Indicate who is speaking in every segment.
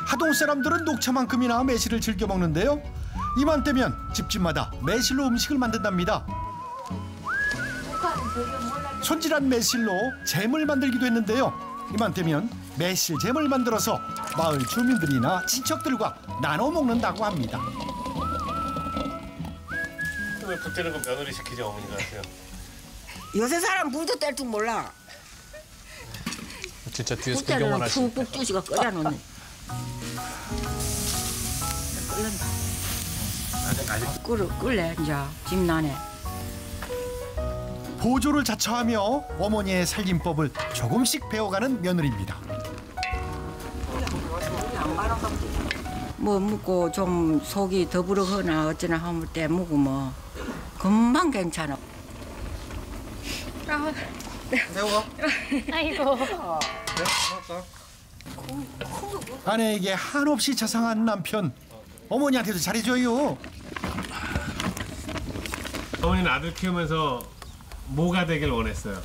Speaker 1: 하동 사람들은 녹차만큼이나 매실을 즐겨 먹는데요. 이맘때면 집집마다 매실로 음식을 만든답니다. 손질한 매실로 잼을 만들기도 했는데요. 이맘때면 매실잼을 만들어서 마을 주민들이나 친척들과 나눠 먹는다고 합니다.
Speaker 2: 왜 붓대는 건 며느리 시키죠, 어머니가 하세요?
Speaker 3: 요새 사람 물도 뗄 줄 몰라.
Speaker 4: 진짜 뒤에서 구경만 하시네.
Speaker 3: 푹푹 뚜지가 끓여놓네. 끓는다. 끓래 이제 김 나네.
Speaker 1: 보조를 자처하며 어머니의 살림법을 조금씩 배워가는 며느리입니다.
Speaker 3: 뭐 먹고 좀 속이 더부룩하나 어쩌나 하물 때 먹으면 금방 괜찮아.
Speaker 5: 새우가?
Speaker 6: 아이고.
Speaker 1: 아내에게 한없이 자상한 남편. 어머니한테도 잘해줘요.
Speaker 2: 어머니는 아들 키우면서 뭐가 되길 원했어요?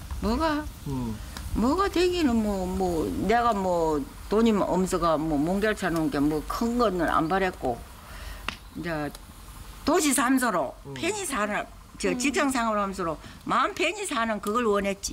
Speaker 3: 뭐가 되기는 뭐 내가 뭐 돈이 없어가 뭐 몽결차 놓은 게 뭐 큰 거는 안 바랬고 이제 도시 삶소로 편히 사는 직장 생활하면서 마음 편히 사는 그걸 원했지.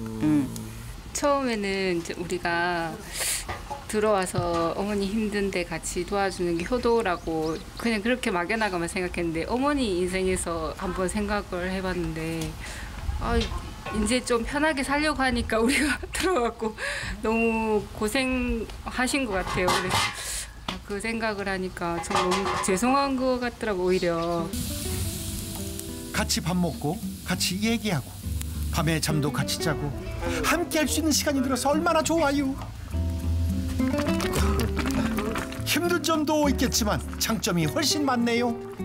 Speaker 6: 처음에는 이제 우리가 들어와서 어머니 힘든데 같이 도와주는 게 효도라고 그냥 그렇게 막연하게만 생각했는데 어머니 인생에서 한번 생각을 해봤는데 이제 좀 편하게 살려고 하니까 우리가 들어갔고 너무 고생하신 것 같아요. 그래서 그 생각을 하니까 좀 너무 죄송한 것 같더라고 오히려.
Speaker 1: 같이 밥 먹고 같이 얘기하고 밤에 잠도 같이 자고 함께 할 수 있는 시간이 들어서 얼마나 좋아요. 힘든 점도 있겠지만 장점이 훨씬 많네요.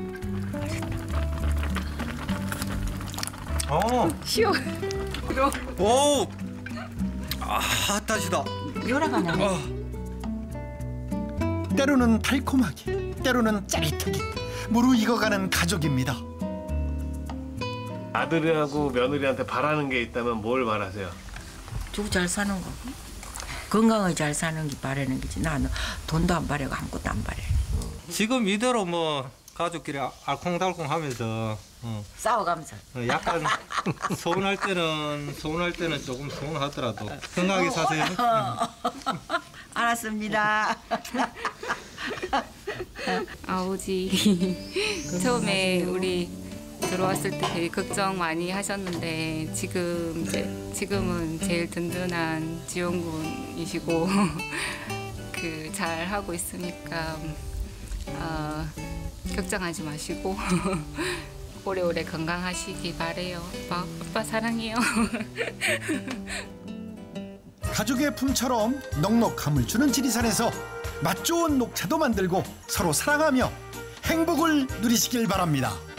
Speaker 6: 쉬워.
Speaker 5: 오! 다시다.
Speaker 3: 요라가네.
Speaker 1: 때로는 달콤하게 때로는 짜릿하게 무르익어가는 가족입니다.
Speaker 2: 아들하고 며느리한테 바라는 게 있다면 뭘 바라세요?
Speaker 3: 두고 잘 사는 거. 건강하게 잘 사는 게 바라는 거지. 나는 돈도 안 바라고 아무것도 안 바래.
Speaker 5: 지금 이대로 뭐 가족끼리 알콩달콩 하면서
Speaker 3: 싸워가면서.
Speaker 5: 약간 서운할 때는 조금 서운하더라도 건강하게 사세요.
Speaker 3: 알았습니다.
Speaker 6: 아버지 처음에 우리 들어왔을 때 되게 걱정 많이 하셨는데 지금은 제일 든든한 지원군이시고 그 잘 하고 있으니까 걱정하지 마시고 오래오래 건강하시기 바래요. 오빠 사랑해요.
Speaker 1: 가족의 품처럼 넉넉함을 주는 지리산에서 맛 좋은 녹차도 만들고 서로 사랑하며 행복을 누리시길 바랍니다.